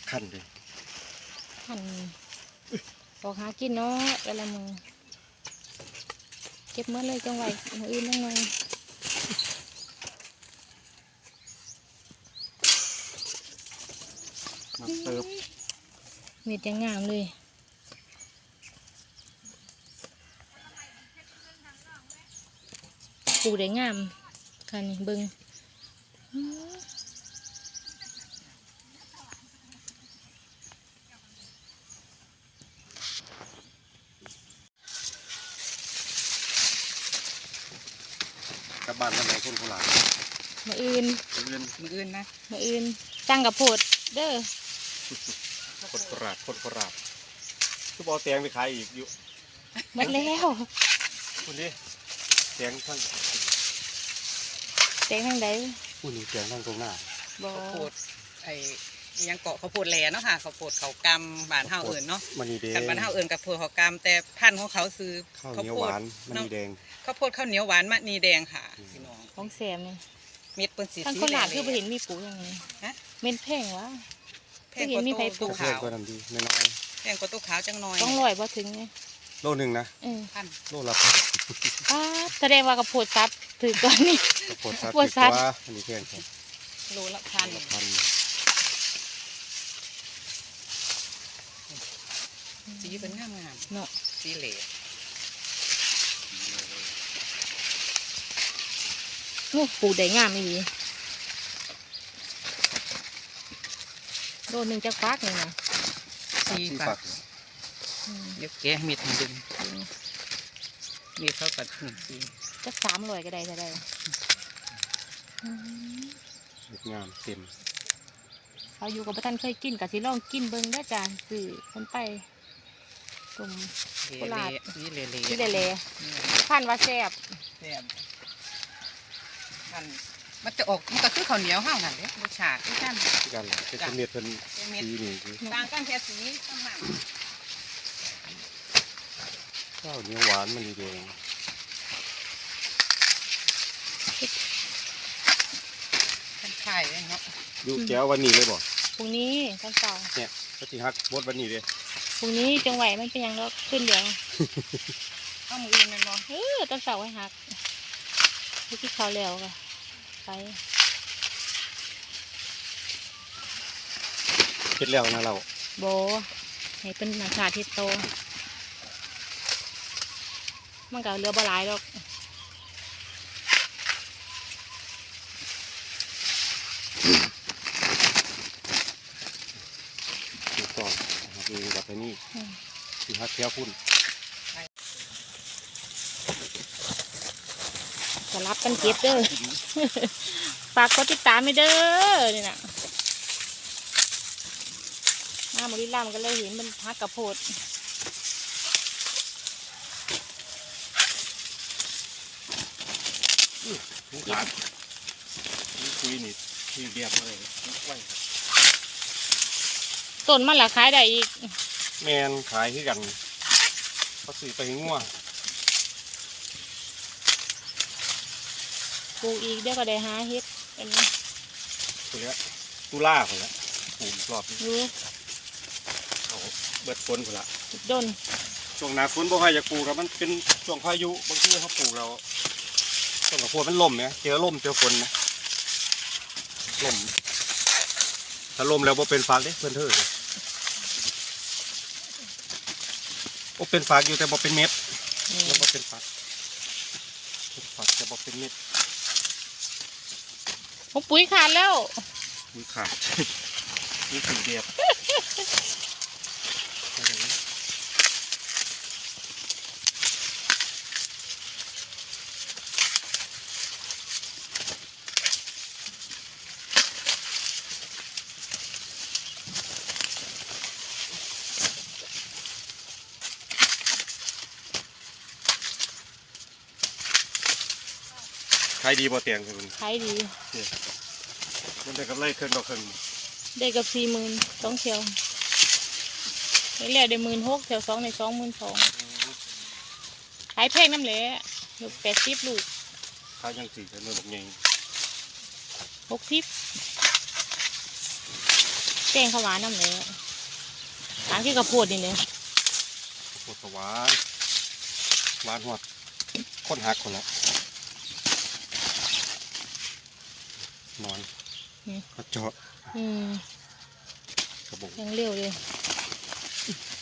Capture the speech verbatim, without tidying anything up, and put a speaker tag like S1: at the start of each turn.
S1: ขั้นเลย
S2: ขั้นออกหากินเนาะแต่ละมือเก็บเมื่อเลยจังไหวมืออื่นยังไง
S1: มาเติบ
S2: เม็ดยังงามเลยปลูกได้งามค่ะนี่เบิ้ง
S1: กลับบ้านทำไมคนโคราช
S2: มืออื่น
S1: มืออื่น
S3: มืออื่นนะ
S2: มืออื่นตั้งกับโพดเด้อ
S1: คนโคราชคนโคราชทุบเอาแตงไปขายอีกอยู่
S2: หมดแล้ว
S1: คุณดิแตงทั้ง
S2: แตงทั้งใด
S1: คุณนี่แตงทั้งตรงหน้า
S3: ข้าวโพดไอ้ยังเกาะข้าวโพดแหล่เนาะค่ะข้าวโพดเขากำบานเฮาเอื่นเนาะ
S1: มันนี่แดง
S3: กันบานเฮาเอื่นกับโพดเขากำแต่พันธุ์ของเขาซื้อ
S1: ข้าวเหนียวหวานมันนี่แดง
S3: ข้าวโพดข้าวเหนียวหวานมันนี่แดงค่ะพี่น้อง
S2: ของแซมนี่
S3: เม็ดเป็นสี
S2: ทั้งคนหลาดคือไปเห็นมีปูอย่างนี้เม็ดแพงวะ
S3: แพงกว่า
S1: ตู้ขาวก็ทำดีน้อย
S3: แพงกว่าตู้ขาวจังน้อย
S2: ต้องลอยพอถึงไง
S1: โลหนึ่งนะ
S3: พัน
S1: โลละพัน
S2: แสดงว่ากระโพดซับถือก่อนนี่
S1: กระโพดซับถือว่าอันนี้แพงครับ
S3: โลละพัน
S1: พัน
S3: สีเป็นงามงาม
S2: เนาะ
S3: สีเหล่
S2: ลูกปูได้งามไม่ดีโดนหนึ่งจะฟักเลยนะ
S3: สีฝักเดี๋ยวแกะเม็ดมาดึงเม็ดเท่ากับหนึ่งสี
S2: จะสามร้อยก็ได้จะได้
S1: งามเต็ม
S2: เราอยู่กับพระท่านเคยกินกับสิลองกินเบิ้งได้จ้าสื่อคนไปกลุ่มโคราช
S3: นี่เละ
S2: นี่เละพันว่าแซ่บ
S3: แซ่บพันมันจะออกมันก็คือข้าวเหนียวห้าวนั่นเลยรสชาติที่กัน
S1: ที่กันเป็นเม็ดเป็นสีนี่คือ
S3: ต่างกันแค่สีต่างหาก
S1: ข้าวเหนียวหวานมันนี่แดง
S3: เป็นไข่เนาะ
S1: ดูแก้ววันนี้เลยบ่
S2: พรุ่งนี้ตอนเช้า
S1: เนี่ยก็สิฮักบดวันนี้เลย
S2: พรุ่งนี้จังไหวมันเป็นยังแล้วขึ้นเดี๋ยว
S3: เอามืออื่นมันบ่
S2: เออตอนเช้าไว้ฮักที่เขาแล้วก็ไป
S1: เฮ็ดแล้วนะเรา
S2: โบให้เป็นนาคาที่โตมันก็เรือบหลายดอก
S1: ต่อดูแบบนี้ที่ฮักแก้วพุ่น
S2: จะรับกันเก็บเด้อฝากกดติดตามไม่เด้อนี่นะน้าบริลามันก็เลยเห็นมันฮักกระโพด
S1: นี่ขาดนี่คุยนี่ที่เรียบเลย
S2: ต้นมันหละขายได้อีก
S1: แมนขายที่กันเขาซื้อไปงัว
S2: ปลูกอีกเดี๋ยวก็ได้หาเฮ็ดอันนี้
S1: ตัวนี้ตุล่าคนละปลูกรอบนี้เอาเบิดฝนคนละ
S2: ดน
S1: ช่วงหน้าฝนบ่ค่อยจะปลูกแล้วมันเป็นช่วงพายุบางทีเขาปลูกเราต้นกระโพดมันล่มเนี่ยเจอล่มเจอฝนนะล่มถ้าล่มแล้วบ่เป็นฟากเด้เพื่อนเธอเลยโอ้เป็นฟากอยู่แต่บ่เป็นเม็ดแล้วบ่เป็นฟากเป็นฟากแต่บ่เป็นเม็ด
S2: ผมปุ๋ยขาดแล้ว
S1: ปุ๋ยขาดนี่สีเดียบขายดีบ่เตียงคุณ
S2: ขายดี
S1: มันได้กับไรเครื่องดอกเครื่อง
S2: ได้กับสี่หมื่นสองเที่ยวได้แล้วได้หมื่นหกเที่ยวสองในสองหมื่นสองขายแพงน้ำเหละลูกแปดสิบลูก
S1: ขายยังสี่เท่านั้นแบบไง
S2: หกสิบแกงข้าวหวานน้ำเลยหวานคือกระโพดนี่เลย
S1: โคตรหวานหวานหอดคนหักคนละนอนกระเจาะ
S2: อืม
S1: กระบอก
S2: ยังเร็วเลย